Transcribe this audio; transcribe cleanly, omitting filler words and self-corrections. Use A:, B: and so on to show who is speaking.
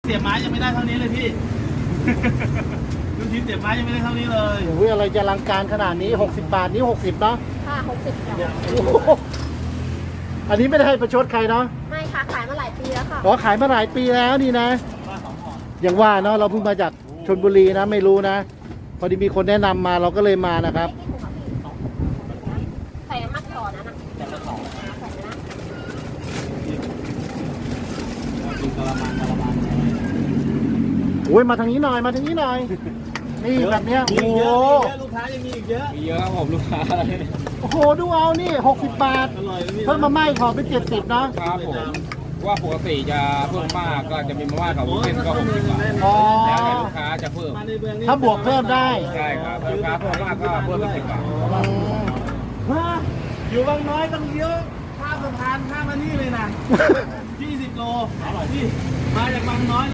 A: เสียบไม้ยังไม่ได้เท่านี้เลยพี่ ลูกชิ้นเสียบไม้ยังไม่ได้เท่านี้เลย
B: โอ้ยอะไรจะอลังการขนาดนี้60 บาทนี้60เนาะ
C: ค่ะ60
A: เนี่ย
B: โอ้โหอันนี้ไม่ได้ให้ประชดใครเนาะ
C: ไม่ค่ะ ขายมาหลายปีแล้วค่ะ
B: ขอขายมาหลายปีแล้วนี่นะ
A: มา2ห่อ
B: อย่างว่าเนาะเราเพิ่งมาจากชลบุรีนะไม่รู้นะ พอดีมีคนแนะนำมาเราก็เลยมานะครับ
C: ใส่น้ำมันก่อนนะ
A: แต่ละสอง
C: ใส่นะ
A: กินกะละมังเลย
B: โอ้ยมาทางนี้หน่อยมาทางนี้หน่อย นี่แบบเนี้ย
A: มี
B: โอ้
A: อี
B: โห
A: กเยอะลูกค้ายังมีอีกเยอะ
D: มีเยอะครับผมลูกค้า
B: โอ้โหดูเอานี่60 บาท
A: อร่อยเลยพี่
B: เพิ่มมาม่าอีกห่อเป็น70เนาะ
D: ครับผมว่าปกติจะเพิ่มมากก็จะมีมาม่ากับวุ้นเส้นก็60 บาท
B: อ๋อ
D: แล้วแต่ลูกค้าจะเพิ่ม
A: มาในเมืองนี่
B: ถ้าบวกเพิ่มได้
D: ใช่ครับถ้าลูกค้าเพิ่มมากก็เพิ่มเป็น10 บาท
B: อืม
A: ฮะอยู่บางน้อยต้องเลี้ยวข้ามสะพานข้ามมานี่เลยนะ 20 โลอร่อยพี่มาจากบางน้อย